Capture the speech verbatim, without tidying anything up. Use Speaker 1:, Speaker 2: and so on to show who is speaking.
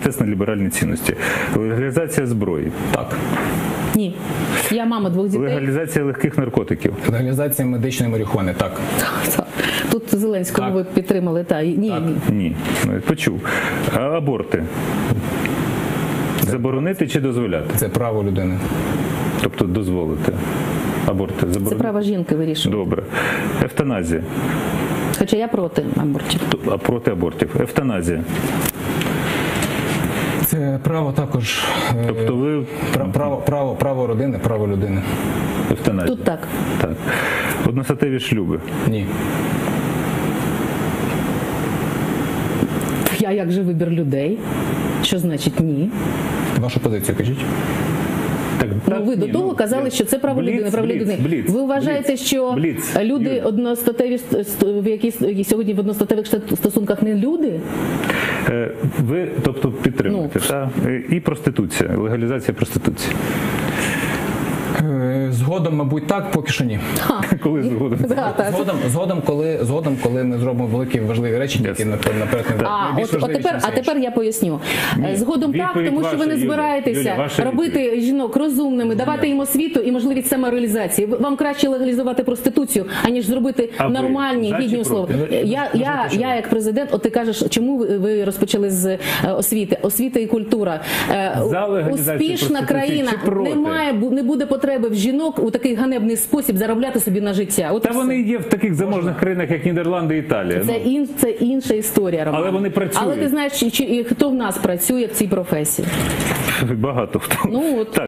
Speaker 1: процес на ліберальні цінності. Легалізація зброї.
Speaker 2: Так.
Speaker 3: Ні. Я мама двох дітей.
Speaker 1: Легалізація легких наркотиків.
Speaker 2: Легалізація медичної марихуани. Так.
Speaker 3: Тут Зеленського
Speaker 2: Так.
Speaker 3: ви підтримали. Та. Ні,
Speaker 2: Так.
Speaker 3: ні.
Speaker 1: Ні. Ну, я почув. А аборти. Заборонити чи дозволяти?
Speaker 2: Це право людини.
Speaker 1: Тобто дозволити. Аборти
Speaker 3: Це
Speaker 1: заборонити?
Speaker 3: право жінки вирішувати.
Speaker 1: Добре. Евтаназія.
Speaker 3: Хоча я проти абортів.
Speaker 1: А проти абортів. Евтаназія.
Speaker 2: Це право також. е,
Speaker 1: Тобто ви
Speaker 2: пра- Право, право, право родини, право людини.
Speaker 1: евтаназія.
Speaker 3: Тут так.
Speaker 1: Так. Одностатеві шлюби.
Speaker 2: Ні.
Speaker 3: Я як же вибір людей? Що значить ні?
Speaker 2: Вашу позицію кажіть.
Speaker 1: Так,
Speaker 3: Ну,
Speaker 1: так,
Speaker 3: ви до
Speaker 1: ні,
Speaker 3: того
Speaker 1: ну,
Speaker 3: казали,
Speaker 1: я-
Speaker 3: що це право
Speaker 1: Бліц,
Speaker 3: людини, право
Speaker 1: бліц,
Speaker 3: людини.
Speaker 1: бліц,
Speaker 3: Ви вважаєте,
Speaker 1: бліц,
Speaker 3: що
Speaker 1: бліц,
Speaker 3: люди
Speaker 1: Юлія.
Speaker 3: одностатеві ст- ст- в якісь які сьогодні в одностатевих штат- стосунках не люди?
Speaker 1: Е, Ви, тобто, підтримуєте,
Speaker 3: Ну.
Speaker 1: та? Е, І проституція, легалізація проституції.
Speaker 2: Е, Згодом, мабуть, так, поки що ні.
Speaker 3: Ха.
Speaker 1: Коли згодом?
Speaker 3: Да, так.
Speaker 2: Згодом, згодом, коли, згодом, коли ми зробимо великі важливі речі, які
Speaker 1: Ясно.
Speaker 2: наперед наперед не
Speaker 3: А,
Speaker 2: найбільш
Speaker 3: от, от
Speaker 2: важливі,
Speaker 3: тепер,
Speaker 2: чим
Speaker 3: а
Speaker 2: все
Speaker 3: тепер
Speaker 2: інше.
Speaker 3: я поясню. Е, Згодом так,
Speaker 1: Відповідь
Speaker 3: тому що ви
Speaker 1: ваша,
Speaker 3: не
Speaker 1: Юля.
Speaker 3: збираєтеся
Speaker 1: Юля, ваша
Speaker 3: робити жінок розумними, давати їм освіту і можливість самореалізації. Ви- Вам краще легалізувати проституцію, аніж зробити
Speaker 1: А ви
Speaker 3: нормальні,
Speaker 1: за чи
Speaker 3: гідні
Speaker 1: проти?
Speaker 3: условия. Я, я, я як президент, от ти кажеш, чому ви, ви розпочали з е, освіти? Освіта і культура. Е,
Speaker 1: За легалізацію
Speaker 3: Успішна
Speaker 1: проституції
Speaker 3: країна
Speaker 1: чи проти?
Speaker 3: не має, бу- не буде потреби в жінок у такий ганебний спосіб заробляти собі на життя. От і
Speaker 1: Та
Speaker 3: все.
Speaker 1: вони є в таких заможних країнах, як Нідерланди і Італія.
Speaker 3: Це,
Speaker 1: Ну,
Speaker 3: ін, це інша історія, Роман.
Speaker 1: Але вони працюють.
Speaker 3: Але ти знаєш, чи, чи, і хто в нас працює в цій професії?
Speaker 1: багато хто.
Speaker 3: Ну, от.
Speaker 1: Так.